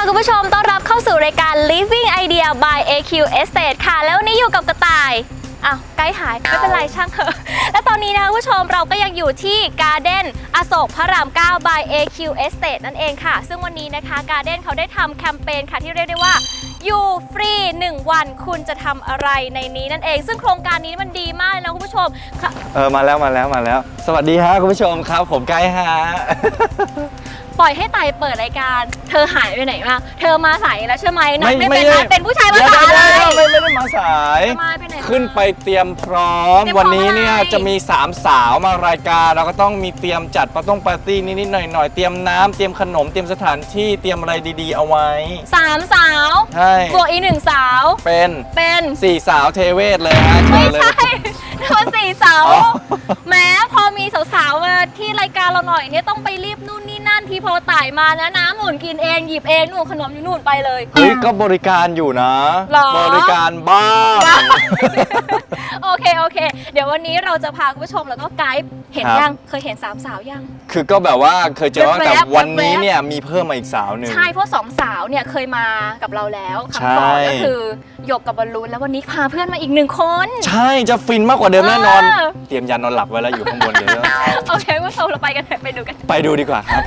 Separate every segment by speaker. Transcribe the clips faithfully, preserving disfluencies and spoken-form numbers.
Speaker 1: คุณผู้ชมต้อนรับเข้าสู่รายการ Living Idea by เอ คิว Estate ค่ะแล้ววันนี้อยู่กับกระต่ายอ้าวไกด์หายไม่เป็นไรช่างเถอะและตอนนี้นะคะคุณผู้ชมเราก็ยังอยู่ที่ Garden อโศกพระราม เก้า by เอ คิว Estate นั่นเองค่ะซึ่งวันนี้นะคะ Garden เขาได้ทำแคมเปญค่ะที่เรียกได้ว่าอยู่ฟรีหนึ่งวันคุณจะทำอะไรในนี้นั่นเองซึ่งโครงการนี้มันดีมากเลยนะคุณผู้ชม
Speaker 2: เออมาแล้วมาแล้วมาแล้วสวัสดีฮะคุณผู้ชมครับผมไกด์ฮะ
Speaker 1: ปล่อยให้ไต่เปิดรายการเธอหายไปไหนมาเธอมาสายแล้วใช่ไหมนัดไม่เป็นไรเป็นผู้ชายมาสายอะไร
Speaker 2: ไม่ไม่ได้มาสายขึ้นไปเตรียมพร้อมวันนี้เนี่ยจะมีสามสาวมารายการเราก็ต้องมีเตรียมจัดปาร์ตี้ปาร์ตี้นิดๆหน่อยๆเตรียมน้ำเตรียมขนมเตรียมสถานที่เตรียมอะไรดีๆเอาไว้
Speaker 1: สามสาว
Speaker 2: ใช่
Speaker 1: บวกอีกหนึ่งสาว
Speaker 2: เป็น
Speaker 1: เป็น
Speaker 2: สี่สาวเทเวศเลยฮะ
Speaker 1: ไม่ใช่คนสี่สาวแม้พอมีสาวๆมาที่รายการเราหน่อยเนี่ยต้องไปรีบนู่นนี่นั่นที่พอต่ายมานะน้ำหนุนกินเองหยิบเองนู่นขนมอยู่นู่นไปเลย
Speaker 2: เฮ้ยก็บริการอยู่นะบริการบ้าง
Speaker 1: โอเคโอเคเดี๋ยววันนี้เราจะพาคุณผู้ชมแล้วก็ไกด์เห็นยังเคยเห็นสามสาวยัง
Speaker 2: คือก็แบบว่าเคยเจอแต่วันนี้เนี่ยมีเพิ่มมาอีกสาวหนึ่ง
Speaker 1: ใช่เพราะสองสาวเนี่ยเคยมากับเราแล้วครั้งก่อนก็คือหยกกับบอลลูนแล้ววันนี้พาเพื่อนมาอีกหนึ่งคน
Speaker 2: ใช่จะฟินมากกว่าเดิมแน่นอนเตรียมยานอนหลับไว้แล้วอยู่ข้างบนเดี๋ยว
Speaker 1: โอเคว่าเราไปกันไปดูกัน
Speaker 2: ไปดูดีกว่าครับ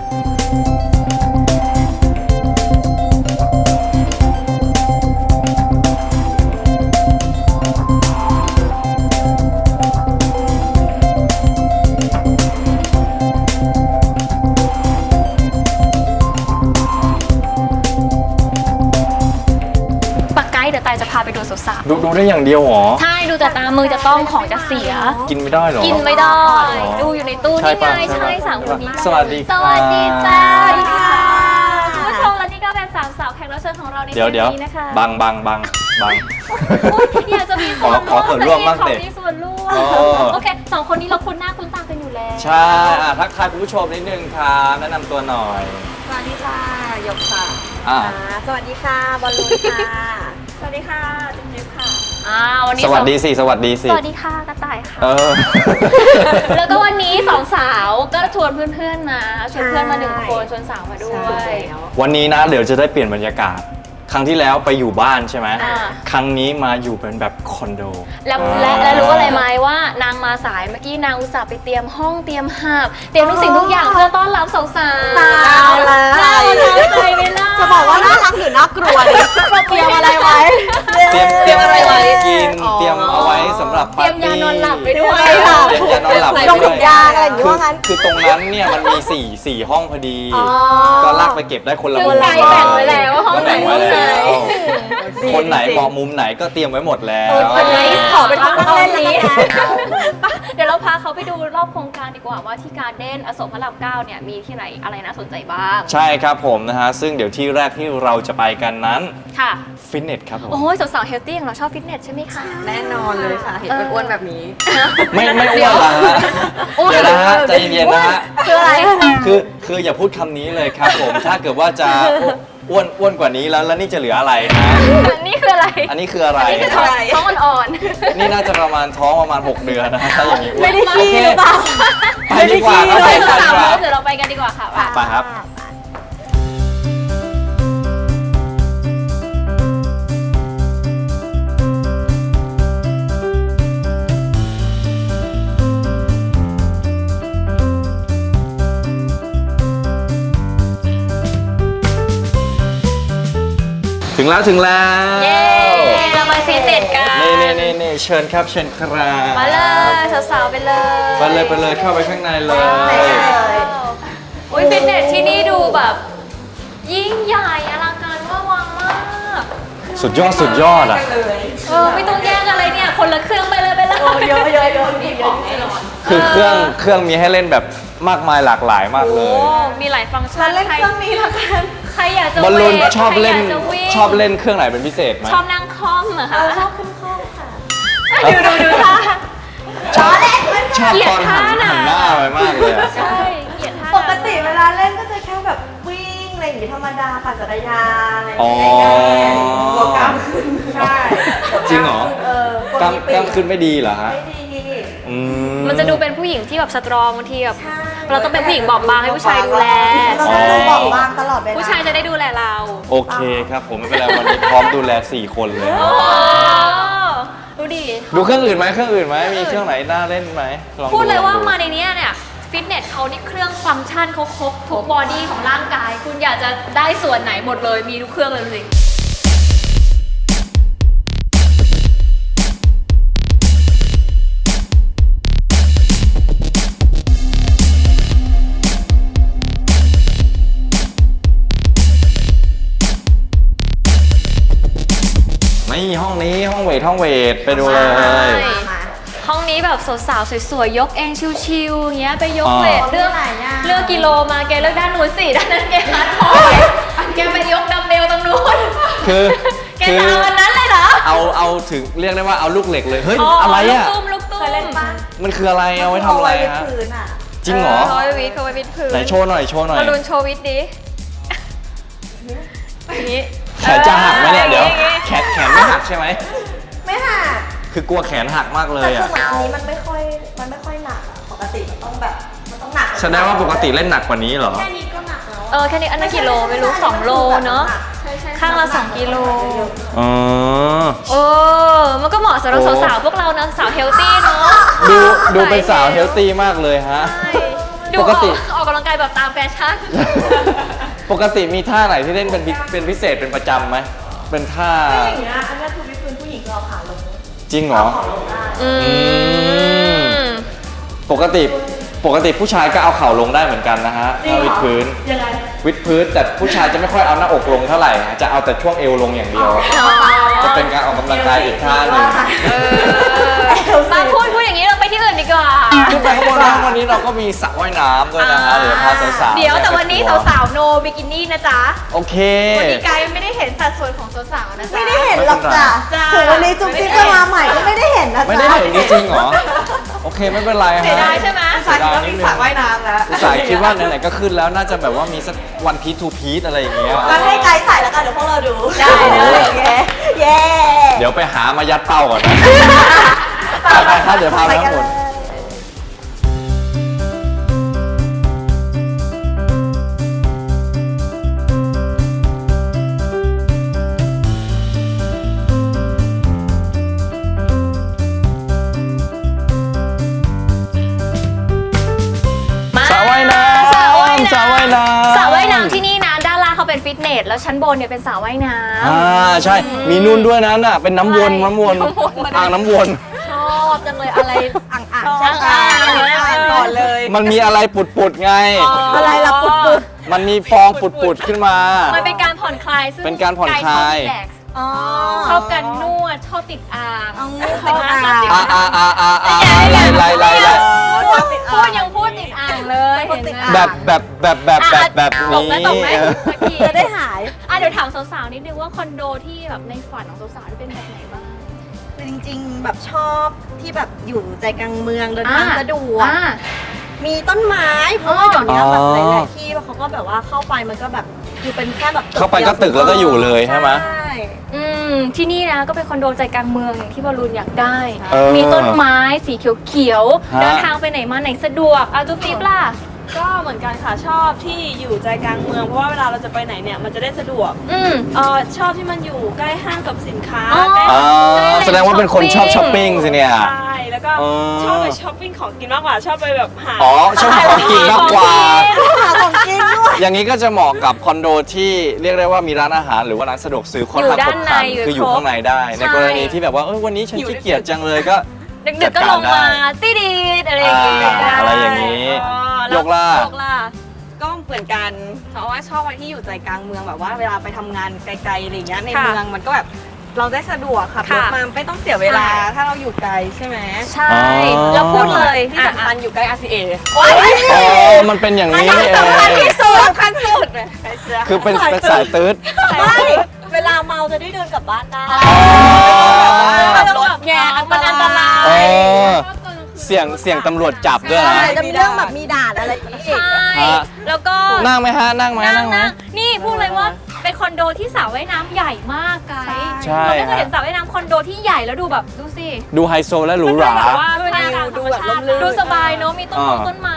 Speaker 1: เดี๋ยวตายจะพาไปดูสาว
Speaker 2: ๆดูดูได้อย่างเดียวหรอ
Speaker 1: ใช่ดูแต่ตามือจะต้องของจะเสีย
Speaker 2: กินไม่ได้หรอ
Speaker 1: กินไม่ได้ดูอยู่ในตู้นี่ไงใช่สามคนนี้
Speaker 2: สวัสดี
Speaker 1: สวัสดีจ้าสวัสดีค่ะคุณผู้ชมและนี่ก็เป็นสามสาวแขกรับเชิญของเราในวันนี้นะคะ
Speaker 2: บังบังบังบัง
Speaker 1: อยากจะมีส่วนร่วม
Speaker 2: ขอส่วนร่วมบ้างสิ
Speaker 1: มีส่วนร่วมโอเคสองคนนี้เราคุ้นหน้าคุ้นตากันอยู่แล้ว
Speaker 2: ใช่ทักทายคุณผู้ชมนิดนึงครับแนะนำตัวหน่อย
Speaker 3: สวัสดีค่ะหยกค่ะสวัสดีค่ะบอลลูนค่ะ
Speaker 1: สวัสดีค่ะจุ๊บจิ๊บค่ะอ่าวันนี้
Speaker 2: สวัสดีสิสวัสดีสิ
Speaker 1: สวัสดีค่ะกระต่ายค่ะ
Speaker 2: เออ
Speaker 1: แล้วก็วันนี้สองสาวก็ชวนเพื่อนๆมาชวนเพื่อนมาหนึ่งคนชวนสาวมาด้วย
Speaker 2: วันนี้นะเดี๋ยวจะได้เปลี่ยนบรรยากาศครั้งที่แล้วไปอยู่บ้านใช่ไหมครั้งนี้มาอยู่เป็นแบบคอนโด
Speaker 1: แล้วและรู้อะไรไหมว่านางมาสายเมื่อกี้นางอุตส่าห์ไปเตรียมห้องเตรียมหาบเตรียมทุกสิ่งทุกอย่างเพื่อต้อนรับสาวๆ
Speaker 3: ตายแล้ว
Speaker 1: ใจไม่น่า
Speaker 3: จะบอกว่าน่ารักหรือน่ากลัวดิเตรียมอะไรไว้
Speaker 2: เตรียมเตรียมอะไรไว้กินเตรียมเอาไว้สำหรับ
Speaker 1: ปาร์ตี้เตรียมยานอนหลับไปด้วย
Speaker 2: เตรียมยานอนหลับไป
Speaker 3: ด้วยยาอะไรอย่างเงี้ยว่างั้น
Speaker 2: คือตรงนั้นเนี่ยมันมีสี่สี่ห้องพอดีก็ลากไปเก็บได้คนละ
Speaker 1: มุมแบ่งไว้แล้วห้องไหนห้องไหน
Speaker 2: คนไหนเหมาะมุมไหนก็เตรียมไว้หมดแล้ว
Speaker 1: คนไหนขอเป็นห้องเล่นนี้เดี๋ยวเราพาเขาไปดูรอบโครงการดีกว่าว่าที่การ์เด้นอโศกพระรามเก้าเนี่ยมีที่ไหนอะไรน่าสนใจบ้าง
Speaker 2: ใช่ครับผมนะฮะซึ่งเดี๋ยวที่แรกที่เราจะไปกันนั้น
Speaker 1: ค่ะ
Speaker 2: ฟิตเนสครับผม
Speaker 1: โอ้ยสาวๆเฮลตี้อย่างเราชอบฟิตเนสใช่ไหมคะ
Speaker 3: แน่นอนเลยค่ะเห็นเป็นอ้วนแบบนี้
Speaker 2: ไม่ไม่อ้วนละฮะเดี๋ยวนะฮะใจเย็นๆนะฮะ
Speaker 1: คืออะไร
Speaker 2: คือคืออย่าพูดคำนี้เลยครับผมถ้าเกิดว่าจะอ้วนอ้วนกว่านี้แล้วแล้วนี่จะเหลืออะไรฮะ
Speaker 1: นี่คืออะไร
Speaker 2: อันนี้คืออะไร
Speaker 1: นี่คือท้องอ่อน
Speaker 2: ๆนี่น่าจะประมาณท้องประมาณหกเดือนนะถ้าอย่างนี้
Speaker 3: ไม่ได้ขี้หรือเปล่า
Speaker 2: ไปดีกว่าครับไปกันดีกว่า
Speaker 1: เดี๋ยวเราไปกันดีกว่าค่ะ
Speaker 2: ไปครับถึงแล้วถึงแล้ว
Speaker 1: เย้เราไปฟิตเนสกัน
Speaker 2: นี่นี่นี่นี่เชิญครับเชิญครับ
Speaker 1: มาเลยสาวๆไปเลย
Speaker 2: ไปเลยไปเลยเข้าไปข้างในเลย
Speaker 1: อุ้ยฟิตเนสที่นี่ดูแบบยิ่งใหญ่อลังการว่าวางมาก
Speaker 2: สุดยอดสุดยอดอ่ะ
Speaker 1: เออไม่ต้องแย่งอะไรเนี่ยคนละเครื่องไปเลยไปเลย
Speaker 3: เยอะเยอะเยอะมีเยอะ
Speaker 2: คือเครื่องเครื่องมีให้เล่นแบบมากมายหลากหลายมากเลย
Speaker 1: มีหลายฟังก์ชัน
Speaker 3: เล่นเครื่องนี้ละกัน
Speaker 1: ใครอยากจะ
Speaker 2: บอลลูนชอบเล่นชอบเล่นเครื่องไหนเป็นพิเศษไหม
Speaker 1: ชอบนั่งคล่อมเหรอคะ
Speaker 3: ชอบขึ้นคล่อมค่ะ
Speaker 1: ดูดูดูท่า
Speaker 2: ชอบชอบตอนหันหันหน้าไปมากเลย
Speaker 1: ใช่เกลียดท่า
Speaker 3: ปกติเวลาเล่นก็จะแค่แบบวิ่งอะไรอย่างงี้ธรรมดาปั่นจักรยานอะไรอย่างเงี้ยหัวกล้ามขึ้นใช่
Speaker 2: จริงเหรอกล้ามกล้ามขึ้นไม่ดีเหรอฮะ
Speaker 3: ไม่ดี
Speaker 2: อืม
Speaker 1: มันจะดูเป็นผู้หญิงที่แบบสตรองบางทีแบบเราต้องเป็นผู้หญิงบอบบางให้ผู้ชายดูแล
Speaker 3: เราต้องดูบอกบ้างตลอดเวลา
Speaker 1: ผู้ชายจะได้ดูแลเรา
Speaker 2: โอเคครับผมไม่เป็นไรวันนี้พร้อมดูแลสี่คนเลย
Speaker 1: โอ้ดูดิ
Speaker 2: ดูเครื่องอื่นไหมเครื่องอื่นไหมมีเครื่องไหนน่าเล่นไหมลอง
Speaker 1: พูดเลยว่า
Speaker 2: อง
Speaker 1: มาในเนี้ยเนี่ยฟิตเนสเขานี่เครื่องฟังก์ชันเขาครบทุกบอดี้ของร่างกาย คุณอยากจะได้ส่วนไหนหมดเลยมีทุกเครื่องเลยดูสิ
Speaker 2: นี่ห้องนี้ห้องเวทห้องเวทไปดูเลย
Speaker 1: ใช่
Speaker 3: มา
Speaker 1: ห้องนี้แบบสาวๆสวยๆยกเองชิวๆอย่างเงี้ยไปยก
Speaker 2: อ๋อ
Speaker 1: เวทเลือก
Speaker 3: หลายอย่าง
Speaker 1: เลือกกิโลมาแกเลือกด้านนู้นสิด้านนั้นแกฮาร์ดคอร์แกไปยกดัมเบลตรงนู้น
Speaker 2: คือ
Speaker 1: แก
Speaker 2: คือ
Speaker 1: จะเอาอันนั้นเลยเหรอ
Speaker 2: เอาเอาถึงเรียกได้ว่าเอาลูกเหล็กเลยเฮ้ย
Speaker 1: อ๋อ
Speaker 2: อะไรอ่ะ
Speaker 1: ลูกตุ้มลูกตุ้ม
Speaker 3: เคยเล่นปะ
Speaker 2: มันคืออะไรเอาไว้ทำอะไรฮะ
Speaker 3: พื้นอ่ะ
Speaker 2: จริงเหรอ
Speaker 1: เขาไว้วิดเขาไว้วิดพื้น
Speaker 2: ไหนโชว์หน่อยโชว์หน่อย
Speaker 1: มาลุนโชว์วิดดิอย่างนี้
Speaker 2: แขนจะหักไหมเนี่ยเดี๋ยว
Speaker 1: ออ
Speaker 2: แขนแขนไม่หักใช่ไหม
Speaker 3: ไม่หัก
Speaker 2: คือกลัวแขนหักมากเล
Speaker 3: แต่
Speaker 2: ย
Speaker 3: คือ
Speaker 2: อ่ะ
Speaker 3: เหมือนอันนี้มันไม่ค่อยมันไม่ค่อยหนักอะปกติมันต้องแบบมันต้องหนัก
Speaker 2: แสดงว่าปกติเล่นหนักกว่านี้เหรอ
Speaker 3: แค่นี้ก็หนักแล้ว
Speaker 1: เออแค่นี้อันนั้นกี่โลไม่รู้สองโลเนาะ
Speaker 3: ใช่ใช่
Speaker 1: ข้างละสองกิโล
Speaker 2: อ๋อ
Speaker 1: เออมันก็เหมาะสำหรับ
Speaker 2: โอ้
Speaker 1: สาวๆพวกเราเนอะสาวเฮลตี้เนาะ
Speaker 2: ดูดูเป็นสาวเฮลตี้มากเลยฮะ
Speaker 1: ใช่ดู
Speaker 2: ป
Speaker 1: อก อก
Speaker 2: ติ
Speaker 1: ออกกำลังกายแบบตามแฟชั่น
Speaker 2: ปกติมีท่าไหนที่เล่นเป็นพิเป็นพิเศษเป็นประจำไหมเป็นท่า
Speaker 3: ไม่อย่างเงี้ยอันนี้คือวิดพื้นผู้หญิงเราขาลง
Speaker 2: จริงเหรอ
Speaker 3: ขอลงได้
Speaker 1: อืม
Speaker 2: ปกติปกติผู้ชายก็เอาเข่าลงได้เหมือนกันนะฮะ
Speaker 3: จริง
Speaker 2: เอา
Speaker 3: เหรอ
Speaker 2: วิดพื้น
Speaker 3: ยังไง
Speaker 2: วิดพื้นแต่ผู้ชายจะไม่ค่อยเอาหน้าอกลงเท่าไหร่ฮะจะเอาแต่ช่วงเอวลงอย่างเดียว จะเป็นการออกกำลังกายอีกท่าหนึ่ง
Speaker 1: เออมาพูดพูดอย่างนี้เราไปที่อื่นดีกว่า
Speaker 2: ขึ้นไปข้างบนนะวันนี้เราก็มีสระว่ายน้ำด้วยนะฮะเดี๋ยวพาสาวๆ
Speaker 1: เดี๋ยวแต่วันนี้สาวๆโนบิกินี่นะจ๊ะ
Speaker 2: โอเค
Speaker 1: วันนี้กายไม่ได้เห็นสัดส่วนของสาวๆนะจ๊ะ
Speaker 3: ไม่ได้เห็นหรอกจ้ะ
Speaker 1: จ้ะ
Speaker 3: ถึงวันนี้จุ๊บจิ๊บจะมาใหม่ก็ไม่ได้เห็นนะจ๊ะ
Speaker 2: ไม่ได้เห็นจริงๆเหรอ โอเคไม่เป็นไรฮะ
Speaker 1: เสียดายใช่ไหม
Speaker 2: เสียดายนิดนึง
Speaker 3: น้ำแล้ว
Speaker 2: อุตส่าห์คิดว่าไหนๆก็ขึ้นแล้วน่าจะแบบว่ามีสักวันพีททูพีทอะไรอย่างเงี้ย
Speaker 3: งั้นให้ไกด์ใส่แล้วกันเดี๋ยวพวกเราดู
Speaker 1: ได้เลย
Speaker 3: โอเคเย้
Speaker 2: เดี๋ยวไปหามายัดเป้าก่อนนะไปๆครับเดี๋ยวพาไปข้างบน
Speaker 1: มา
Speaker 2: สระว่ายน้
Speaker 1: สระว่าย
Speaker 2: ำสระ
Speaker 1: น้ำ
Speaker 2: ว่ายน้ำ
Speaker 1: สระว่ายน้ำที่นี่นะด้านล่างเขาเป็นฟิตเนสแล้วชั้นบนเนี่ยเป็นสระว่ายน้ำ
Speaker 2: อ่าใช่ มีนู่นด้วยนะน่ะเป็นน้ำวน
Speaker 1: ใช่
Speaker 2: น้ำวน
Speaker 1: น้ำวน
Speaker 2: อ่างน้ำวน
Speaker 1: ชอบจังเลยอะไร
Speaker 3: อ่างอ่าง
Speaker 1: ชอบอ่าง
Speaker 3: อ่างก่อนเลย
Speaker 2: มันมีอะไรปุดๆไง
Speaker 3: อะไรล่ะปุด
Speaker 2: มันมีฟองปุดๆขึ้นมา
Speaker 1: มันเป็นการผ่อนคลายซึ่ง
Speaker 2: เป็นการผ่อนคลาย
Speaker 1: กชอบรีแลกซ์
Speaker 3: อ๋อ
Speaker 1: ชอบการนวดชอบติดอ่าง
Speaker 3: เอา
Speaker 1: ชอบ
Speaker 3: อ่าง
Speaker 1: ชอบติด
Speaker 2: อ่า
Speaker 1: อ่าง
Speaker 2: อ่าอ่าอ่าอ่าไล่ไล่ไล่ไล่
Speaker 1: พูดพูดยังพูดติดอ่างเลยเห็นไหม
Speaker 2: แบบแบบแบบแบบแบบแบบ
Speaker 1: ต
Speaker 2: นี้
Speaker 1: กไหมตกไหมตะกี้
Speaker 3: จะได้หาย
Speaker 1: อ่ะเดี๋ยวถามสาวๆนิดนึงว่าคอนโดที่แบบในฝันของสาวๆที่เป็นแบบไหนบ้าง
Speaker 3: คือจริงๆ แบบชอบที่แบบอยู่ใจกลางเมืองเดินทางสะดวก
Speaker 1: อ่า
Speaker 3: มีต้นไม้เพราะว่าเดี๋ยวนี้แบบ
Speaker 2: อ๋อ
Speaker 3: หลายๆที่เขาก็แบบว่าเข้าไปมันก็แบบคือเป็นแค่แบบ
Speaker 2: เข้าไปก็ตึกแล้วก็อยู่เลยใช่ไหม
Speaker 3: ใช่
Speaker 1: อืมที่นี่นะก็เป็นคอนโดใจกลางเมืองอย่างที่บอลลูนอยากได้
Speaker 2: เออ
Speaker 1: มีต้นไม้สีเขียว
Speaker 2: ฮะ
Speaker 1: ๆเดินทางไปไหนมาไหนสะดวกอาจุ๊บจิ๊บล่ะ
Speaker 4: ก็เหมือนกันค่ะชอบที่อยู่ใจกลางเมืองเพราะว่าเวลาเราจะไปไหนเนี่ยมันจะได้สะดวก
Speaker 1: อืม
Speaker 4: เออชอบที่มันอยู่ใกล้ห้างสรรพสินค้า
Speaker 1: อ๋อ
Speaker 4: ใกล้
Speaker 2: อ่าแสดงว่าเป็นคนชอบช้อปปิ้งสิเนี่ย
Speaker 4: ใช่แล้วก็
Speaker 2: อ๋อ
Speaker 4: ชอบไปช้อปปิ้งของกินมากกว่าชอบไปแบบหา
Speaker 2: อ๋อชอบของกินมากกว่า
Speaker 3: หาของกินด้วย
Speaker 2: อย่างนี้ก็จะเหมาะกับคอนโดที่เรียกได้ว่ามีร้านอาหารหรือว่าร้านสะดวกซื้อค่อนข้าง
Speaker 1: อยู่ด้า
Speaker 2: ครบ
Speaker 1: น
Speaker 2: ครัน
Speaker 1: ในอยู่
Speaker 2: คืออยู่
Speaker 1: ครบ
Speaker 2: ข้างในได้ ใน
Speaker 1: ใช่
Speaker 2: กรณีที่แบบว่าเอ้ยวันนี้ฉันขี้เกียจจังเลยก็
Speaker 1: ดึกๆก็ลงมาตีดีดอะไรอย่างงี้
Speaker 2: อ่าอะไรอย่างนี้
Speaker 4: อ๋อแวย
Speaker 2: กล่า
Speaker 1: ยกล่า
Speaker 4: ก็เหมือนกันเพราะว่าชอบวันที่อยู่ใจกลางเมืองแบบว่าเวลาไปทำงานไกลๆอะไรอย่างเงี้ยใน
Speaker 1: ค่ะ
Speaker 4: เมืองมันก็แบบเราได้สะดวกขับรถ
Speaker 1: ค่ะ
Speaker 4: มาไม่ต้องเสียเวลา
Speaker 1: ใช่
Speaker 4: ถ้าเราอยู่ไกลใช่ไหม
Speaker 1: ใช่
Speaker 2: อ๋อ
Speaker 1: แล้วพูดเลย
Speaker 4: ที่สำคัญอยู่ใกล้ อาร์ ซี เอ
Speaker 2: อ๋อมันเป็นอย่างนี้นี่เอง
Speaker 4: สำคัญที่สุดสำคัญสุดเลยไปเชื่อ
Speaker 2: คือเป็นเป็นสายตืด
Speaker 3: ไม่เวลาเมาจะได้เดินกลับบ้านได้
Speaker 1: ขับรถไงมันอันตราย
Speaker 2: เออเสี่ยงเสี่ยงตำรวจจับด้วยนะ
Speaker 3: ใช่จะมีเรื่องแบบมีด่านอะไรอย่างนี้อีก
Speaker 1: ใช่
Speaker 2: ฮะ
Speaker 1: แล้วก็
Speaker 2: นั่งไหมฮะ นั่งไหม
Speaker 1: นั่
Speaker 2: นั่
Speaker 1: ง
Speaker 2: งไหม
Speaker 1: นะนี่พูดเลยว่าเป็นคอนโดที่สระว่ายน้ำใหญ่มากไกด์
Speaker 2: ใช่
Speaker 1: เราไม่เคย
Speaker 2: ฮะ
Speaker 1: เห็นสระว่ายน้ำคอนโดที่ใหญ่แล้วดูแบบดูสิ
Speaker 2: ดูไฮโซและหรูหรา
Speaker 4: แบบว่าท่ามกลางธรรมชาติเลย
Speaker 1: ดูสบายเนอะมีต้น
Speaker 2: อ่า
Speaker 1: มงต้นไม้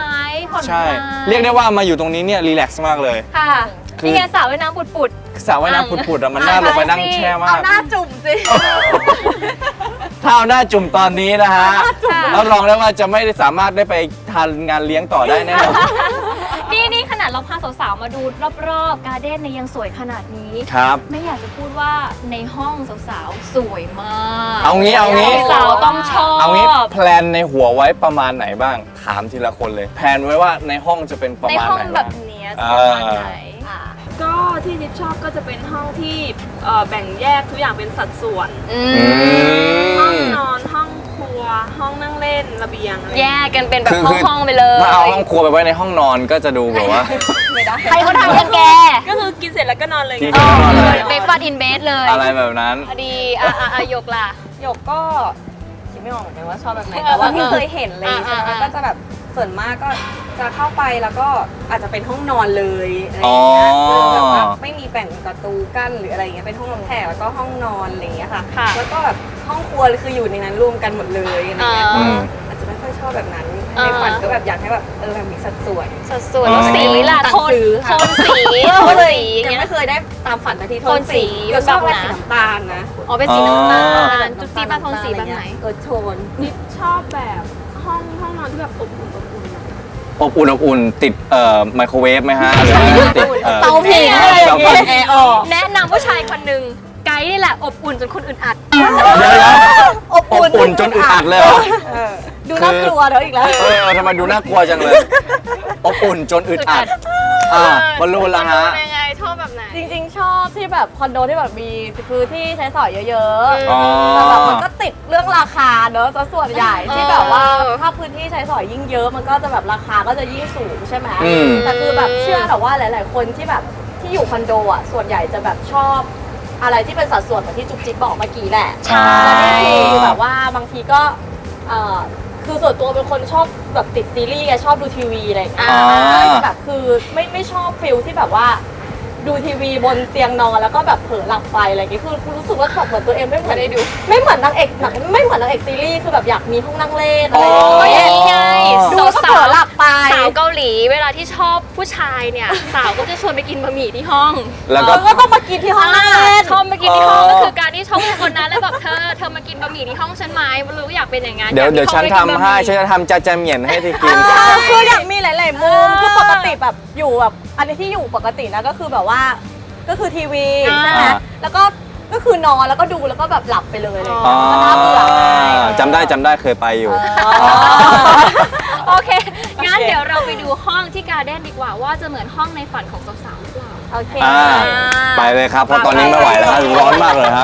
Speaker 1: ผ่อนคลาย
Speaker 2: ใช่ เรียกได้ว่ามาอยู่ตรงนี้เนี่ยรีแลกซ์มากเลย
Speaker 1: ค่ะ
Speaker 2: คือ
Speaker 1: นี่ไงสาวว่ายน้ำปุด
Speaker 2: สระว่ายน้ำผุดๆอะมันน่าลงไปนั่งแช่มา
Speaker 3: เอา
Speaker 2: ก
Speaker 3: หน้าจุ่มสิ
Speaker 2: ถ้าเอาหน้าจุ่มตอนนี้นะฮะรับรองได้ว่าจะไม่ได้สามารถได้ไปทานงานเลี้ยงต่อได้แน่นอน
Speaker 1: ๆ นี่นี่ขนาดเราพาสาวๆมาดูรอบๆการ์เด้นเนี่ยยังสวยขนาดนี้
Speaker 2: ครับ
Speaker 1: ไม่อยากจะพูดว่าในห้องสาวๆสวยมาก
Speaker 2: เอางี้เอางี้
Speaker 1: สาวต้องชอบ
Speaker 2: เอางี้แพลนในหัวไว้ประมาณไหนบ้าง ถามทีละคนเลย แพลนไว้ว่าในห้องจะเป็นประ
Speaker 1: ใน
Speaker 2: มาณ
Speaker 1: ห้อง
Speaker 2: ไหน
Speaker 1: แบ
Speaker 2: บ้า
Speaker 1: บ
Speaker 2: ง
Speaker 1: เนี้ย
Speaker 2: อ่า
Speaker 1: ประมาณไหน
Speaker 4: ก็ที่นิดชอบก็จะเป็นห้องที่เอ่อแบ่งแยกทุกอย่างเป็นสัดส่วน
Speaker 1: อื
Speaker 2: อื
Speaker 1: ม
Speaker 4: ห้อง
Speaker 2: ม
Speaker 4: นอนห้องครัว ห้องนั่งเล่นระเบียงอะไร
Speaker 1: แยกกันเป็นแบบ
Speaker 2: คือ
Speaker 1: ห้องๆไปเลย
Speaker 2: ถ้าเอาห้องครัวไปไว้ในห้องนอนก็จะดูแบบว่า
Speaker 4: ไม่ได้
Speaker 1: ใครเขาทำกันแก
Speaker 4: ก็คือกินเสร็จแล้วก็นอนเลย
Speaker 2: กิน
Speaker 4: ไง
Speaker 2: เสร็จแล้วนอนเลย
Speaker 1: เบรกฟาสต์อินเบสเลย
Speaker 2: อะไรแบบนั้น
Speaker 1: พอดีอ่ะอ่ะอ่ะยกล่ะ
Speaker 4: หยกก็คิดไม่ออกเหมือนกันว่าชอบแบบไหนแต่ว่าที่เคยเห็นเลยใช่ไหม
Speaker 1: อ่าๆๆ
Speaker 4: ก็จะแบบส่วนมากก็จะเข้าไปแล้วก็อาจจะเป็นห้องนอนเลยอะไรอย่างเงี้ย
Speaker 2: อ๋อ
Speaker 4: คือแบบว่าไม่มีแบ่งประตูกั้นหรืออะไรอย่างเงี้ยเป็นห้องรับแขกแล้วก็ห้องนอนอะไรอย่างเงี้ยค่ะ
Speaker 1: ค่ะ
Speaker 4: แล้วก็แบบห้องครัวคืออยู่ในนั้นรวมกันหมดเลยอะไรอย่างเงี้ย
Speaker 1: อ่า
Speaker 2: อืม
Speaker 4: อาจจะไม่ค่อยชอบแบบนั้น
Speaker 1: อ่า
Speaker 4: ในฝันก็แบบอยากให้แบบเออแบบมีสัดส่วน
Speaker 1: สัดส่วน
Speaker 2: อ๋อ
Speaker 1: แล้วสีล่ะ
Speaker 4: ตัด
Speaker 1: โทน
Speaker 4: ซื้อ
Speaker 1: โท
Speaker 4: ค่ะ
Speaker 1: นสีโทนสี
Speaker 4: ยัง
Speaker 1: เงี้ย
Speaker 4: ไม่เคยได้ตามฝันนาที
Speaker 1: โทนสี
Speaker 4: ก็ชอบ
Speaker 1: แบบ
Speaker 4: แบบ
Speaker 1: ไหน
Speaker 4: สีน้ำตาลนะ
Speaker 1: อ๋อเป็นสีน้ำตา
Speaker 2: อ๋อ
Speaker 1: ลจุ๊บจิ๊บมาโทนสีแบบไหน
Speaker 4: เออโทนนิดชอบแบบห้องห้องนอนที่แบบอบอุ่นอบอุ่นหน่อย
Speaker 2: อบอุ่นอบอุ่นติดเอ่อไมโครเวฟไหมฮะหรือว่าติดอ่อ
Speaker 1: เตาผิงอะไรอย่างเงี้ย
Speaker 2: เตาผิง
Speaker 4: แอร์ออก
Speaker 1: แนะนำผู้ชายคนหนึ่งไกด์นี่แหละอบอุ่นจนคนอื่นอัด
Speaker 2: เดี๋ยวๆอบอุ่นจนอึดอัดเลยเหรอ
Speaker 4: เออดูน่ากลัวเดี๋ยวอีกแล้ว
Speaker 2: เออทำไมดูน่ากลัวจังเลย อบอุ่นจนอึดอัด อ่าบอลลูนละฮะ
Speaker 1: ยังไงชอบแบบไหน
Speaker 3: จริงๆ ชอบที่แบบคอนโดที่แบบมีพื้นที่ใช้สอยเยอะ
Speaker 1: อ๋อ
Speaker 3: ๆ แต่แบบมันก็ติดเรื่องราคาเนอะซะส่วนใหญ่
Speaker 1: เออ
Speaker 3: ที่แบบว่าถ้าพื้นที่ใช้สอยยิ่งเยอะมันก็จะแบบราคาก็จะยิ่งสูงใช่ไหม
Speaker 2: อืม
Speaker 3: แต่คือแบบเชื่อแต่ว่าหลาย ๆ คนที่แบบที่อยู่คอนโดอ่ะส่วนใหญ่จะแบบชอบอะไรที่เป็นสัดส่วนเหมือนที่จุ๊บจิ๊บบอกเมื่อกี้แหละ
Speaker 1: ใช่
Speaker 3: แล้วนี่คือแบบว่าบางทีก็เอ่อคือส่วนตัวเป็นคนชอบแบบติดซีรีส์ไงชอบดูทีวีอะไรอย่างเงี้ย
Speaker 1: อ่า
Speaker 3: ก็จะแบบคือไม่ไม่ชอบฟิลที่แบบว่า ดูทีวีบนเตียงนอนแล้วก็แบบเผลอหลับไปอะไรอย่างเงี้ยคือรู้สึกว่าแบบเหมือนตัวเองไม่เหมือนได้ดู ไม่เหมือนนางเอกหนังไม่เหมือนนางเอกซีรีส์คือแบบอยากมีห้องนั่งเล่นอะไรอย่าง
Speaker 1: ก็
Speaker 3: เงี้
Speaker 1: อย่าง
Speaker 3: ย
Speaker 1: นี้ไง
Speaker 3: ดูแล้วก็เผลอหลับไป
Speaker 1: สาวเกาหลีเวลาที่ชอบผู้ชายเนี่ย สาวก็จะชวนไปกินบะหมี่ที่ห้อง
Speaker 2: แล้วก็
Speaker 3: เออก็ต้องมากินที่ห้องนั่งเล่น
Speaker 1: ชอบมากินที่ห้อง
Speaker 2: อ๋อ
Speaker 1: ก็คือการที่ชอบคนนั้นแล้วแบบเธอเธอมากินบะหมี่ที่ห้องฉันไหมรู้อยากเป็นอย่างงั้น
Speaker 2: เดี๋ยว
Speaker 1: อากมี
Speaker 2: เดี๋ยวฉัน
Speaker 1: ห้องไว้กิ
Speaker 2: ทำให้
Speaker 1: บะมี่
Speaker 2: ฉันจะทำจาจาเหมียนให้ที่กิน
Speaker 3: เออคืออยากมีหลาย ๆ มุมคือปกติแบบอยู่แบบอันนี้ที่อยู่ปกตินะก็คือแบบว่าก็คือทีวีใช่ไหม
Speaker 2: อ่า
Speaker 3: แล้วก็ก็คือนอนแล้วก็ดูแล้วก็แบบหลับไปเลยอะไรอย่าง
Speaker 2: อ๋
Speaker 3: เงี้
Speaker 2: อย
Speaker 3: ก็น่าเบื่อไง
Speaker 2: จำได้จำได้เคยไปอยู่
Speaker 1: โอเค งั้นเดี๋ยวเราไปดูห้องที่การ์เด้นดีกว่าว่าจะเหมือนห้องในฝันของสาวๆหรือเปล่า
Speaker 3: โอเค
Speaker 2: อ่า ไปเลยครับ เพราะตอนนี้ไม่ไหวแล้วฮะร้อนมากเลยฮะ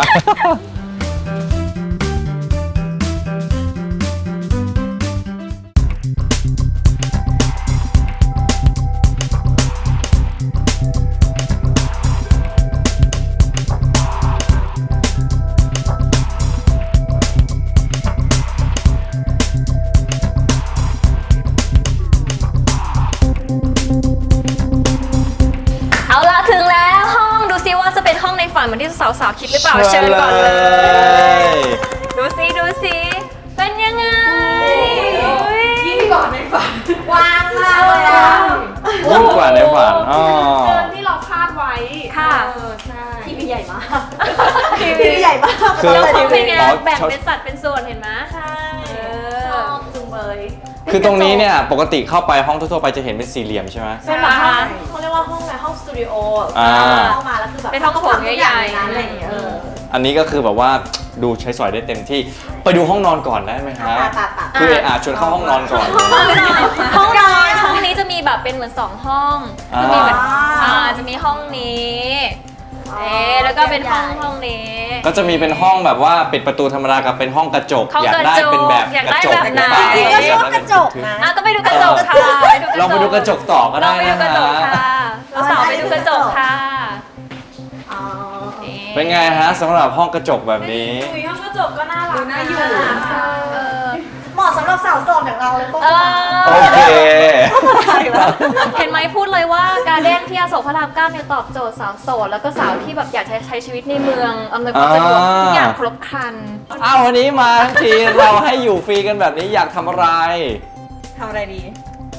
Speaker 1: เอาล่ะถึงแล้วห้องดูซิว่าจะเป็นห้องในฝันเหมือนที่สาวๆคิดหรือเปล่าเชิญก่อนเลย ดูซิดูซิเป็นยังไง
Speaker 3: ยิ่งกว่าในฝันกว้างมากเลยอ่ะ
Speaker 2: ยิ่งกว่าในฝันอ๋อ
Speaker 4: เกินที่เราคาดไว้
Speaker 1: ค่ะ
Speaker 4: เออใช่
Speaker 3: ทีวีใหญ่มากทีวีใหญ่มาก
Speaker 2: คือ
Speaker 1: แล้วเขาเป็นไง
Speaker 2: อ๋อ
Speaker 1: แบ่งเป็นสัดเป็นส่วนเห็นไหม
Speaker 3: ใช่
Speaker 1: เอ
Speaker 3: ช
Speaker 1: อ
Speaker 3: อบจุงเบย
Speaker 2: คือตรงนี้เนี่ยปกติเข้าไปห้องทั่วๆไปจะเห็นเป็นสี่เหลี่ยมใช่ไหม
Speaker 3: เป็นแบบห้องเขาเรียกว่าห้องอะไรห้องสตูดิโอ
Speaker 2: อ่า
Speaker 3: เข้ามาแล้วคือแบบ
Speaker 1: เป็นห้องโถงใหญ่ๆ
Speaker 3: ๆอะไรอย่างเงี้ยเออ
Speaker 2: อันนี้ก็คือแบบว่าดูใช้สอยได้เต็มที่ ไปดูห้องนอนก่อนได้ไหมฮะ
Speaker 3: ปะปะปะ
Speaker 2: คือเออาชวนเข้าห้องนอนก่อน
Speaker 1: ห้องนอนห้องนอนห้องนี้จะมีแบบเป็นเหมือนสองห้อง
Speaker 2: อ่า
Speaker 1: จะมีแบบอ่าจะมีห้องนี้เอ๊ะแล้วก็เป็นห้องห้องนี้
Speaker 2: ก็จะมีเป็นห้องแบบว่าปิดประตูธรรมดากับเป็นห้องกระจก
Speaker 1: ห้อง
Speaker 2: อยากได้
Speaker 1: กระจก
Speaker 2: เป็นแบบ
Speaker 1: อยาก
Speaker 2: ก
Speaker 1: ได้
Speaker 2: ระจก
Speaker 1: แบบไหน
Speaker 2: รือเปล่า
Speaker 3: จริงๆก็ชอบกระจกนะ
Speaker 1: อ่ะก็ไปดูกระจกค่ะ
Speaker 2: ลองไปดูกระจกต่อก็
Speaker 1: ล
Speaker 2: ได้
Speaker 1: องไปดู
Speaker 2: นะ
Speaker 1: กระจก
Speaker 2: ฮะ
Speaker 1: ค่ะเราสาวไปดูกระจกค่ะ
Speaker 3: อ๋อ
Speaker 2: เป็นไงฮะสำหรับห้องกระจกแบบนี้
Speaker 4: อุยห้องกระจกก็น่ารักน่าอยู่
Speaker 1: เออ
Speaker 3: เหมาะสำหรับสาวโสดอย่างเราเลยพวก
Speaker 1: เอ
Speaker 2: โอ
Speaker 1: อ
Speaker 2: เค
Speaker 1: เห็นไหมพูดเลยว่าการเด้นที่อโศกพระรามเก้าเนี่ยตอบโจทย์สาวโสดแล้วก็สาวที่แบบอยากใช้ใช้ชีวิตในเมืองอำนวยความสะดวกทุกอย่างครบครัน
Speaker 2: อ้าววันนี้มาทั้งทีเราให้อยู่ฟรีกันแบบนี้อยากทำอะไร
Speaker 4: ทำอะไรดี
Speaker 3: ท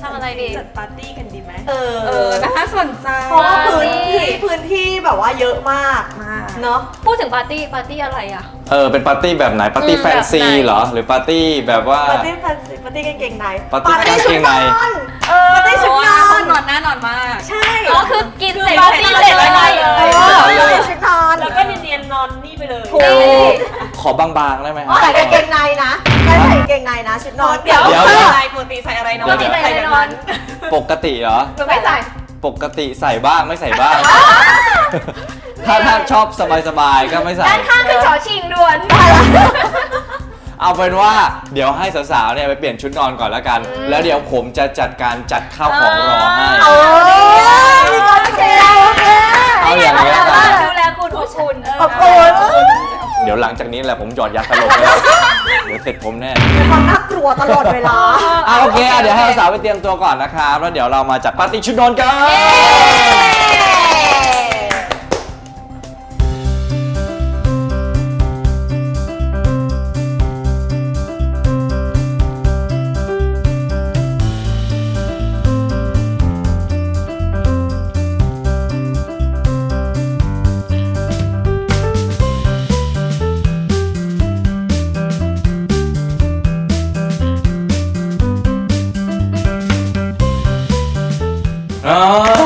Speaker 1: ทำอะไรดี
Speaker 4: จัดปาร์ตี้กันดีไหม
Speaker 3: เออ
Speaker 4: เออน่าสนใจ
Speaker 3: เพราะว่าพื้นที่พื้นที่แบบว่าเยอะมาก
Speaker 4: มาก
Speaker 3: เนาะ
Speaker 1: พูดถึงปาร์ตี้ปาร์ตี้อะไรอ่ะ
Speaker 2: เออเป็นปาร์ตี้แบบไหนปาร์ตี้
Speaker 1: อืม
Speaker 2: แฟนซี
Speaker 1: แบบไหน
Speaker 2: เหรอหรือปาร์ตี้แบบว่า
Speaker 3: ปาร์ตี้แฟนซีปาร์ตี้กางเกงใน
Speaker 2: ปาร์ตี้กางเกงใน
Speaker 3: เออปาร์ตี้ชุดนอน
Speaker 4: นอนหน้านอนมาก
Speaker 3: ใช่
Speaker 1: อ๋อคือกินเสร็จ
Speaker 3: ปาร์ตี้เสร็จแล้วนอนเลย
Speaker 2: เออ
Speaker 3: ปาร์ตี้ชุดนอน
Speaker 4: แล้วก็เนียนๆนอนนี่ไปเลย
Speaker 3: ถูก
Speaker 2: ขอบางๆได้ไหมฮะ
Speaker 3: ใส่กางเกงในนะไม่ใส่กางเกงในนะชุดนอน
Speaker 4: เดี๋ยว
Speaker 2: เดี๋ยว
Speaker 4: ใส่อะไรปกติใส่อะไรนอน
Speaker 1: ปกติใส่อะไรนอน
Speaker 2: ปกติเหรอ
Speaker 1: หรือไม่ใส่
Speaker 2: ปกติใส่บ้างไม่ใส่บ้าง ถ้าถ้าชอบสบายๆก็ไม่ใส่
Speaker 1: ด้านข้างคือชอชิงด่วน
Speaker 2: เอาเป็นว่าเดี๋ยวให้สาวๆเนี่ยไปเปลี่ยนชุดนอนก่อนแล้วกัน แล้วเดี๋ยวผมจะจัดการจัดข้าวของรอให้
Speaker 3: โอ้ยโอเคโอเค
Speaker 2: เอาอย่างนี้แล้วกัน
Speaker 1: ดูแลคุณอบอุ่น
Speaker 3: ขอบคุณ
Speaker 2: เดี๋ยวหลังจากนี้แหละผมหยอดยาสลบไปแล้วเดี๋ยวเสร็จผมแน่
Speaker 3: มีความน่ากลัวตลอดเวลา
Speaker 2: อ่ะโอเคอ่ะเดี๋ยวให้สาวๆไปเตรียมตัวก่อนนะครับแล้วเดี๋ยวเรามาจัดปาร์ตี้ชุดนอนกัน อ๋อ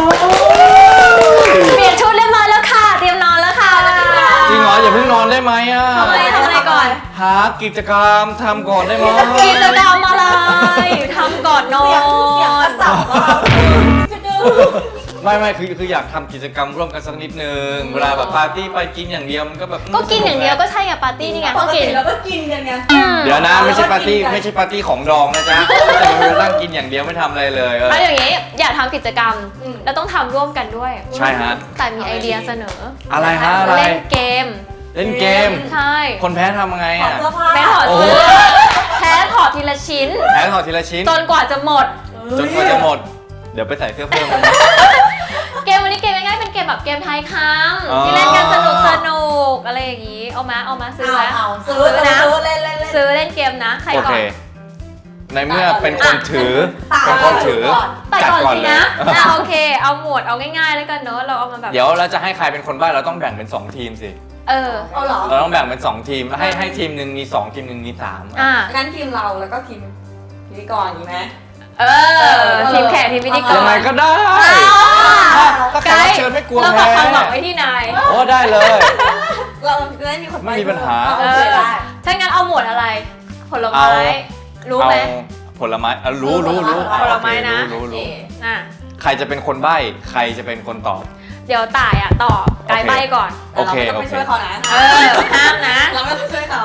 Speaker 1: เปลี่ยนชุดเรียบร้อยแล้วค่ะ เตรียมนอนแล้วค่ะ
Speaker 2: จริงเหรออย่าเพิ่งนอนได้ไหมอ่ะ
Speaker 1: ทำอะไรทำอะไรก่อน
Speaker 2: หากิจกรรมทำก่อนได้ไหม
Speaker 1: กิจกรรมอะไรทำก่อนนอ
Speaker 3: เสียงเสียงกระ
Speaker 1: น
Speaker 3: สับอะ
Speaker 2: ไม่ไม่คือคืออยากทำกิจกรรมร่วมกันสักนิดนึงเวลาแบบปาร์ตี้ไปกินอย่างเดียวมันก็แบบ
Speaker 1: ก็กินอย่างเดียวก็ใช่ไงปาร์ตี้นี่ไง
Speaker 3: ป
Speaker 1: ก็
Speaker 3: ก
Speaker 1: กิ
Speaker 3: ติ
Speaker 1: น
Speaker 3: เราก็กินกันไง
Speaker 1: อืม
Speaker 2: เดี๋ยวนะไม่ใช่ปาร์ตี้ไม่ใช่ปาร์ตี้ของดองนะจ๊ะแต่เรานั่งกินอย่างเดียวไม่ทำอะไรเลยเออ
Speaker 1: เอาอย่างนี้อยากทำกิจกรรมแล้วต้องทำร่วมกันด้วย
Speaker 2: ใช่ฮะ
Speaker 1: แต่มีไอเดียเสนอ
Speaker 2: อะไรฮะอะไร
Speaker 1: เล่นเกม
Speaker 2: เล่นเกม
Speaker 1: ใช่
Speaker 2: คนแพ้ทำไง
Speaker 3: ถอด
Speaker 2: อ่ะ
Speaker 3: เสื้อผ้า
Speaker 1: แพ้ถอด
Speaker 2: โอ้
Speaker 1: เสื้อแพ้ถอดทีละชิ้น
Speaker 2: แพ้ถอดทีละชิ้น
Speaker 1: จนกว่าจะหมด
Speaker 2: จนกว่าจะหมด เดี๋ยวไปใส่เสื้อเพิ่มนะ
Speaker 1: เกมวันนี้เกมง่ายๆเป็นเกมแบบเกมทายค
Speaker 2: อ๋อ
Speaker 1: ำที่เล่นกันสนุกสนุกอะไรอย่างนี้ เอามาเอามาซื้อ
Speaker 3: เอา
Speaker 1: ไว้
Speaker 3: เอาซื้อ
Speaker 1: นะ
Speaker 3: ซื้อเล่นเล่นเล่น
Speaker 1: ซื้อเล่นเกมนะ ใคร
Speaker 2: โอ
Speaker 1: ก่
Speaker 2: เค
Speaker 1: อน
Speaker 2: ในเมื่อเป็นคนถือ
Speaker 3: ตา
Speaker 2: เป็นคนถือ
Speaker 1: แต่
Speaker 2: จัด
Speaker 1: ก่อน
Speaker 2: ก่อน
Speaker 1: สิ
Speaker 2: เลย
Speaker 1: นะอ่ะโอเค เอาหมวดเอาง่ายๆแล้วกันเนอะเราเอามาแบบ
Speaker 2: เดี๋ยวเราจะให้ใครเป็นคนใบ้เราต้องแบ่งเป็นสองทีมสิ
Speaker 1: เออ
Speaker 3: เอาเหรอ
Speaker 2: เราต้องแบ่งเป็นสองทีมให้ให้ทีมหนึ่งมีสองทีมหนึ่งมีสาม
Speaker 1: อ่ะ
Speaker 4: งั้นทีมเราแล้วก็ทีมพิธีกรอย่างนี้ไหม
Speaker 1: เออ ทีมแขกทีมพิธีกร
Speaker 2: ยังไงก็ได้ ถ้าแขกรับเชิญไม่กลัว
Speaker 1: เรา
Speaker 2: แพ้
Speaker 1: ฝากความหวังไว้ที่นาย
Speaker 2: โอ้ได้เลย
Speaker 4: เราจะได้มีคน
Speaker 2: ไม่มีปัญหา
Speaker 3: โอเคได้
Speaker 1: ถ้างั้นเอาหมวดอะไร ผลไม้ รู้ไหม
Speaker 2: เอาผลไม้อ่ะรู้รู้รู้
Speaker 1: ผลไม้นะ
Speaker 2: รู้รู้รู้
Speaker 1: อ่ะ
Speaker 2: ใครจะเป็นคนใบ้ใครจะเป็นคนตอบ
Speaker 1: เดี๋ยวต่ายอ่ะตอบไกด์
Speaker 2: โอเค
Speaker 1: ใบก่อน
Speaker 2: โอเค
Speaker 4: แต่เรา
Speaker 2: โอ
Speaker 4: ไม่
Speaker 2: เค
Speaker 4: ช่วยเขานะ
Speaker 1: เออ ห้ามนะ
Speaker 4: เราไม่ต้องช่วยเขา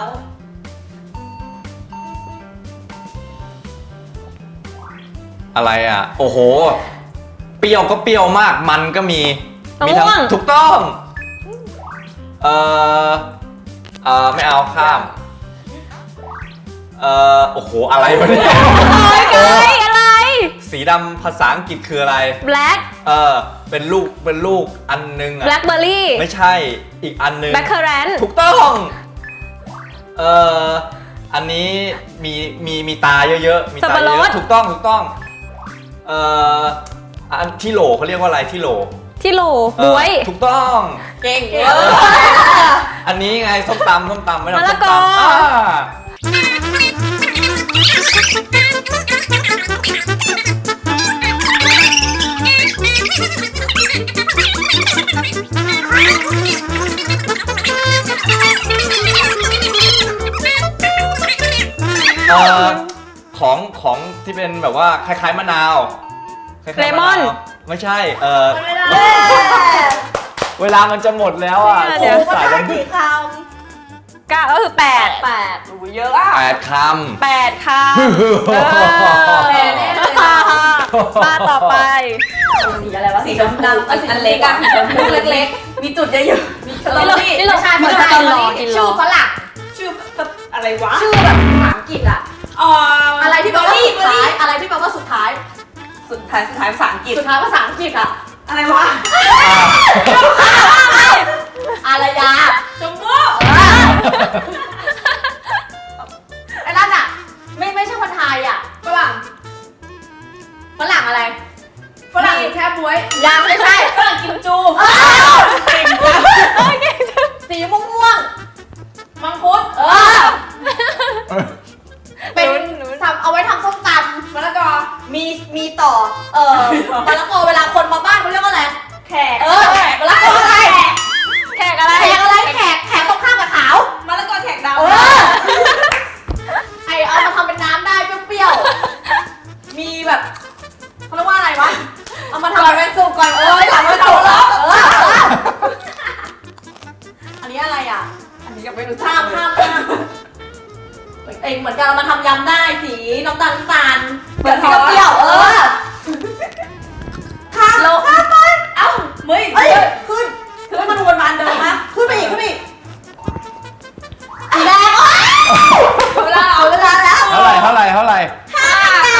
Speaker 2: อะไรอ่ะ โอ้โห เปรี้ยวก็เปรี้ยวมาก มันก็มี มีทั้
Speaker 1: มะม่วง
Speaker 2: ถูกต้อง เออเออไม่เอาข้าม เออโอ้โห อะไรวะเนี่ย
Speaker 1: ไกด์อะไร
Speaker 2: สีดำภาษาอังกฤษคืออะไร
Speaker 1: black
Speaker 2: เออ เป็นลูก เป็นลูกอันนึงอ่ะ
Speaker 1: blackberry
Speaker 2: ไม่ใช่ อีกอันนึง
Speaker 1: blackcurrant
Speaker 2: ถูกต้อง เอออันนี้มี มี มีตาเยอะๆ มีตา
Speaker 1: สับปะร
Speaker 2: เย
Speaker 1: ด
Speaker 2: อะๆ ถูกต้อง ถูกต้อง เอออันที่โหลเขาเรียกว่าอะไรที่โหล
Speaker 1: ที่โหล
Speaker 2: เออบ
Speaker 1: วย
Speaker 2: ถูกต้อง
Speaker 4: เก่ง
Speaker 3: เอ
Speaker 4: เวอ
Speaker 3: อ
Speaker 4: ร์
Speaker 2: อันนี้ไงส้มตำส้มตำไม่ทำ
Speaker 1: มะ
Speaker 2: ส้
Speaker 1: ละ
Speaker 2: ม
Speaker 1: กอ
Speaker 2: ตำอ่าเอ่อของของที่เป็นแบบว่าคล้ายๆมะนาวคล้ายๆะาว
Speaker 1: เลมอน
Speaker 2: ไม่ใช่ เออ
Speaker 3: ไม่ได้
Speaker 2: เวลามันจะหมดแล้วอ่ะ
Speaker 1: เดี๋ยว
Speaker 3: ภา
Speaker 2: สา
Speaker 3: ษาย
Speaker 2: ลม
Speaker 3: กี่ค
Speaker 1: เก้าก็คือแปด
Speaker 3: ำแปด
Speaker 4: โอ้เยอะอ่ะ
Speaker 2: แปดคำ
Speaker 1: แปดคำเออ
Speaker 3: แปดแน่เลย
Speaker 1: มาต่อไป
Speaker 3: สีอะไรวะ
Speaker 4: สีชมพูอันเล็กอ่ะสีชมพูเล็กๆ มีจุดเยอะๆมีสตรอเบอรี่
Speaker 1: นี่เรา
Speaker 3: ใช่
Speaker 1: เหมือน
Speaker 3: ใช่
Speaker 1: กินรอกินร
Speaker 3: ชื่อ
Speaker 1: อ
Speaker 3: ฝรั่ง
Speaker 4: ชื่ออะไรวะ
Speaker 3: ชื่อแบบภาษาอังกฤษอะ
Speaker 4: อ๋อ
Speaker 3: อะ
Speaker 4: อะไร
Speaker 3: ที่แปลว่าสุดท้าย อะไรที่แปลว่าสุดท้าย
Speaker 4: สุดท้ายสุดท้ายภาษาอังกฤษ
Speaker 3: สุดท้ายภาษาอังกฤษอะ
Speaker 4: อะไรวะ
Speaker 3: อารยา
Speaker 4: ชมพู่
Speaker 3: ไอ้นั่นอะไม่ไม่ใช่คนไทยอะฝรั่งฝรั่งไม่ใช่ฝรั่งกิมจูสีม่วงๆมังคุดเออเป็นทำเอาไว้ทำส้มตำมะละกอมีมีต่อเออมะละกอเวลาคนมาบ้านเขาเรียกว่าอะไรแขกเออมะละกออะไรแขกอะไรแขกอะไรแขกแขกตรงข้ามกับขาวมะละกอแขกดำเออไอเอามาทำเป็นน้ำได้เปรี้ยวๆมีแบบเขาเรียกว่าอะไรวะเอามาทำก่อนเป็นสุกก่อนเออหลังเป็นสุกแล้วเอออันนี้อะไรอ่ะอันนี้ยังไม่รู้ข้ามข้ามข้ามเองเหมือนกันเรามาทำยำได้สีน้ำตาลน้ำตาลเหมือนสีเปรี้ยวเออข้ามข้ามไปเอ้าเฮ้ยเอ้ยขึ้นขึ้นมันวนมาเดิมนะขึ้นไปอีกขึ้นไปอีกสีแดงเวลาเอาเวลาแล้ว
Speaker 2: เท่าไหร่เท่าไหร่เท่าไหร่
Speaker 3: ห้า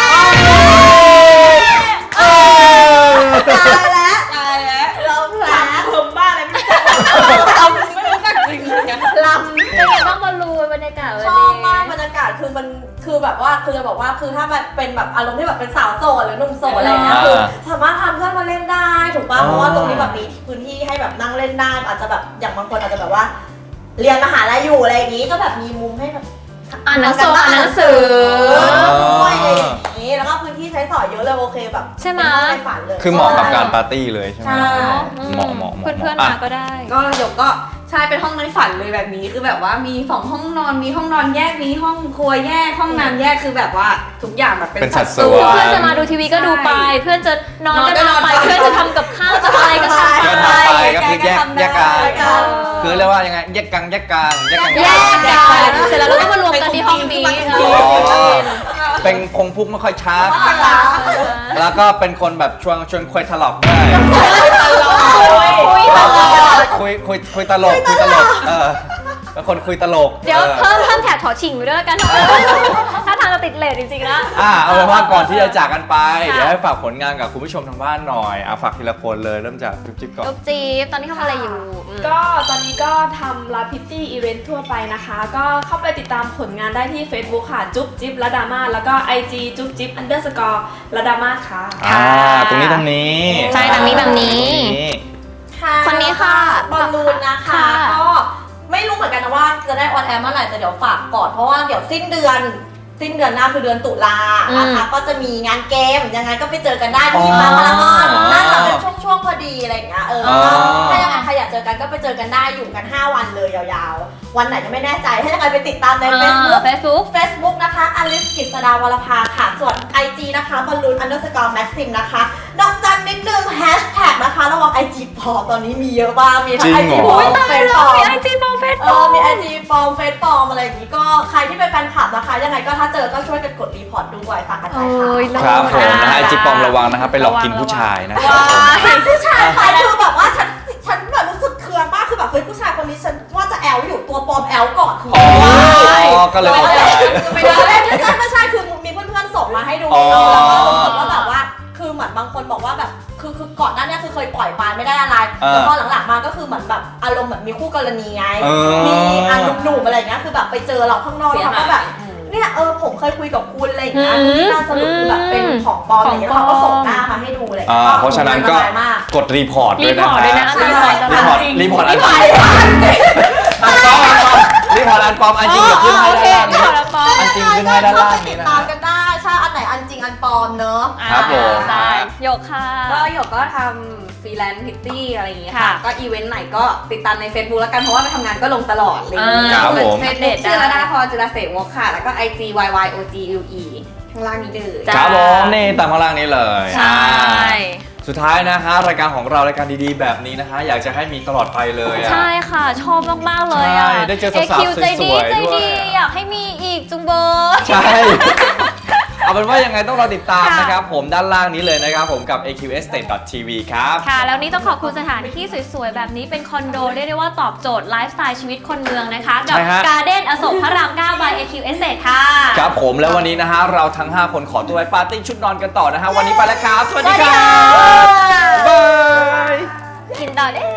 Speaker 3: ตายแล้วตายแล้วเราแผล
Speaker 4: เพิ่มบ้าอะไรไม่รู้เอาไม่รู้จักจริงเลย
Speaker 3: ลำ
Speaker 1: เป็นไงบ้างบอลลูนบรรยากาศวัน
Speaker 3: ช
Speaker 1: นี้
Speaker 3: อบมากบรรยากาศคือมันคือแบบว่าคือจะบอกว่าคือถ้ามันเป็นแบบอารมณ์ที่แบบเป็นสาวโสดหรือหนุ่มโสดอะไรเงี้ยคือสามารถทำเพื่อนมาเล่นได้ถูกป่ะเพราะว่าตรงนี้แบบมีพื้นที่ให้แบบนั่งเล่นได้อาจจะแบบอย่างบางคนอาจจะแบบว่า เรียนมหาลัยอยู่อะไรอย่างงี้ก็แบบมีมุมให้แบบ
Speaker 1: อ่านหนังสืออ่านหนังสือ
Speaker 3: ด้วยอะไรอย่างงี้แล้วก็พื้นที่ใช้สอยเยอะเลยโอเคแบบ
Speaker 1: ใช่ไหม
Speaker 3: ในฝันเลย
Speaker 2: คือเหมาะกับการปาร์ตี้เลยใช่ไหม
Speaker 3: ใช่
Speaker 2: เหมาะเหมาะเหมาะ
Speaker 1: เพื่อนๆ
Speaker 2: อ่ะ
Speaker 1: มาก็ได้
Speaker 4: ก็หยกก็ใช่เป็นห้องในฝันเลยแบบนี้คือแบบว่ามีสองห้องนอนมีห้องนอนแยกมีห้องครัวแยกห้องน้ำแยกคือแบบว่าทุกอย่างแบบเป็น
Speaker 2: เป็นสัดส่
Speaker 1: คือ
Speaker 2: วน
Speaker 1: เพื่อนจะมาดูทีวีก็ดูไป เพื่อนจะนอนก็นอนไป เพื่อนจะทำกับข้าวจะอะไรก็ทำ
Speaker 2: ก็
Speaker 1: ไป
Speaker 2: ทำไปก็คือแยกแยกกัน
Speaker 3: แยกกัน
Speaker 2: คือเรียกว่ายังไงแยกกังแยกกลางแยกกัง
Speaker 1: แยกกันเสร็จแล้วเราก็มารวมกันที่ห้องนี้
Speaker 2: อ๋อเป็นคงพุกไม่ค่อยชักแล้วก็เป็นคนแบบชวนชวนคุยถลอกด้วย
Speaker 1: คุยตลอด
Speaker 2: คุยคุยคุยตลกคุยตลกเออเป็นคนคุยตลก
Speaker 1: เดี๋ยว
Speaker 2: ออ
Speaker 1: เพิ่มเพิ่มแถบถอฉิงไปด้วยแล้วกัน ถ้าทางจะติดเลทจริงๆแล้ว
Speaker 2: อ่าเอาเป็นว่าก่อนที่จะจากกันไป
Speaker 1: ค่ะ
Speaker 2: เดี๋ยวให้ฝากผลงานกับคุณผู้ชมทางบ้านหน่อยอ่ะฝากทีละคนเลยเริ่มจากจุ๊บจิ๊บก่อน
Speaker 1: ลูกจี๊บตอนนี้ทำอะไรอยู่อืม
Speaker 5: ก็ตอนนี้ก็ทำลาพิตตี้อีเวนต์ทั่วไปนะคะ ก็เข้าไปติดตามผลงานได้ที่ Facebook ค่ะ จุ๊บจิ๊บละดามาแล้วก็ ไอ จี จุ๊บจิ๊บ underscore ละดามาค่ะ
Speaker 2: อ่าตรงนี้ตรงนี้
Speaker 1: ใช่แบบนี้แบบนี้
Speaker 2: ตรงนี้
Speaker 1: คนนี้ค่ะ
Speaker 3: บอลลูนนะคะ
Speaker 1: ค่ะ
Speaker 3: ก็ไม่รู้เหมือนกันนะว่าจะได้ออนแอร์เมื่อไหร่แต่เดี๋ยวฝากก่อนเพราะว่าเดี๋ยวสิ้นเดือน สิ้นเดือนหน้าคือเดือนตุลานะคะก็จะมีงานเกมยังไงก็ไปเจอกันได้ที่มาพารากอนน่าจะเป็นช่วงๆพอดีอะไรอย่างเงี้ยเออถ้ายังไงใครอยากเจอกันก็ไปเจอกันได้อยู่กันห้าวันเลยยาวๆวันไหนยังไม่แน่ใจถ้ายังไงไปติดตามใน Facebook
Speaker 1: เฟซบุ๊ก
Speaker 3: Facebook นะคะอลิสกิษดาวรภาค่ะส่วน ไอ จี นะคะบอลลูน underscore maxim นะคะดอกจันนิดนึงแฮชแท็กนะคะระวัง ไอ จี ปลอมตอนนี้มีเยอะมากมีทั้ง ไอ จี ปลอมเฟซปลอม
Speaker 1: มีไอจีปลอมเฟซ
Speaker 3: เอ
Speaker 1: ปลอ
Speaker 3: อ
Speaker 1: ม
Speaker 3: มี ไอ จี ปลอมเฟซปลอมอะไรอย่างนี้ก็ใครที่เป็นแฟนคลับนะคะยังไงก็ถ้าเจอก็ช่วยกันกดรีพอร์ตด้วยฝากกันไป
Speaker 1: โอ้ย
Speaker 3: ค่ะ
Speaker 2: ครับผมนะฮะ
Speaker 1: อ่า
Speaker 2: ไอจีปลอมระวังนะครับไปหลอกกินผู้ชายนะครับผม
Speaker 3: ผู้ชายไปคือแบบว่าฉันฉันแบบรู้สึกเคืองมากคือแบบเฮ้ยผู้ชายคนนี้ฉันว่าจะแอลอยู่ตัวปลอมแอลก่อนคือ
Speaker 2: อ๋อ
Speaker 3: ว้าย
Speaker 2: ก็เลยออกไป
Speaker 3: ไม่ได้ไม่ใช่ไม่ใช่คือมีเพื่อนๆส่งมาให้ดู
Speaker 2: อ๋อ
Speaker 3: แล้วก็รู้สึกว่าแบบว่าคือเหมือนบางคนบอกว่าแบบคือคือก่อนหน้านี้คือเคยปล่อยปานไม่ได้อะไรแต่พอหลังๆมาก็คือเหมือนแบบอารมณ์เหมือนมีคู่กรณีไง
Speaker 2: เออ
Speaker 3: มีอันหนุ่มๆอะไรอย่างเงี้ยคือแบบไปเจอเราข้างนอกแล้วเขาก็แบบเนี่ยเออผมเคยคุยกับคุณอะไรอย่างเงี้ย
Speaker 1: อืม
Speaker 3: ที่น่าสรุปคือแบบเป็นของปลอมอะไรอย่างเงี้ยแล้วเขาก็ส่งหน้ามาให้ดูอะไรอย่าง
Speaker 2: อ่า
Speaker 3: เงี้ย
Speaker 2: เพราะฉะนั้นก็
Speaker 3: อัตรายมาก
Speaker 2: กดรีพอร์ตด้วยนะ
Speaker 1: รีพอร์ตด้วยนะ
Speaker 2: ฮ
Speaker 1: รีพอร์ต
Speaker 2: รีพอร์ตรีพอร์ตอันปลอม
Speaker 3: ไม่ทัน
Speaker 2: อันปลอมอันปลอมรีพอร์ตอันปลอมอันจริงเดี๋ยวขึ้นให้
Speaker 1: โอเค
Speaker 2: ด้านล่าง
Speaker 1: รี
Speaker 2: นี้
Speaker 1: พอร์ตอันปลอม
Speaker 2: อันจริงขึ้นให้ด้านล่าง
Speaker 3: ติ
Speaker 2: นี้
Speaker 3: ด
Speaker 2: นะ
Speaker 3: ตามกันได้ใช่อันไหนอันจริงอันปลอมเนอะ
Speaker 2: ครับผม
Speaker 1: ได้หยกค่ะ
Speaker 4: ก็หยกก็ทำฟรีแลนซ์พิตตี้อะไรอย่างเงี้ย
Speaker 1: ค่ะ
Speaker 4: ค่ะ ก็อีเวนต์ไหนก็ติดตามใน Facebook แล้วกันเพราะว่าไปทำงานก็ลงตลอดเลย
Speaker 1: อ่า
Speaker 2: ครับผม
Speaker 4: เฟซบุ๊กชื่อระดาพรจุลเสวกค่ะ แล้วก็ ไอ จี วาย วาย โอ จี ยู อี ข้างล่างนี้เลย
Speaker 1: จ้ะ
Speaker 2: ครับผมนี่ตามข้างล่างนี้เลย
Speaker 1: ใช่
Speaker 2: สุดท้ายนะฮะรายการของเรารายการดีๆแบบนี้นะฮะอยากจะให้มีตลอดไปเลยอะ
Speaker 1: ใช่ค่ะ ชอบมาก ๆ เลยอ่ะ
Speaker 2: ใช่ได้เจอสาวๆ
Speaker 1: เคิวใจดี
Speaker 2: สวยๆ
Speaker 1: ใจ
Speaker 2: ด้วย
Speaker 1: ดี อยากให้มีอีกจุงเบอร์
Speaker 2: ใช่ เอาเป็นว่ายังไงต้องรอติดตาม
Speaker 1: ค่ะ
Speaker 2: นะครับผมด้านล่างนี้เลยนะครับผมกับ เอ คิว เอส Estate ดอท ที วี ครับ
Speaker 1: ค่ะ แล้วนี้ต้องขอบคุณสถานที่สวย ๆ แบบนี้เป็นคอนโดเรียกได้ว่าตอบโจทย์ไลฟ์สไตล์ชีวิตคนเมืองนะคะกับ
Speaker 2: ใช่ฮะ
Speaker 1: การ์เด้นอโศกพระรามเก้า by เอ คิว Estate ค่ะ
Speaker 2: ครับผมแล้ววันนี้นะฮะเราทั้ง ห้า คนขอตัวไปปาร์ตี้ชุดนอนกันต่อนะฮะวันนี้ไปแล้วครับ สวัสดีค
Speaker 1: สวัสดี
Speaker 2: รั
Speaker 1: ค่ะ
Speaker 2: บบ๊ายบาย
Speaker 1: กินต่อได้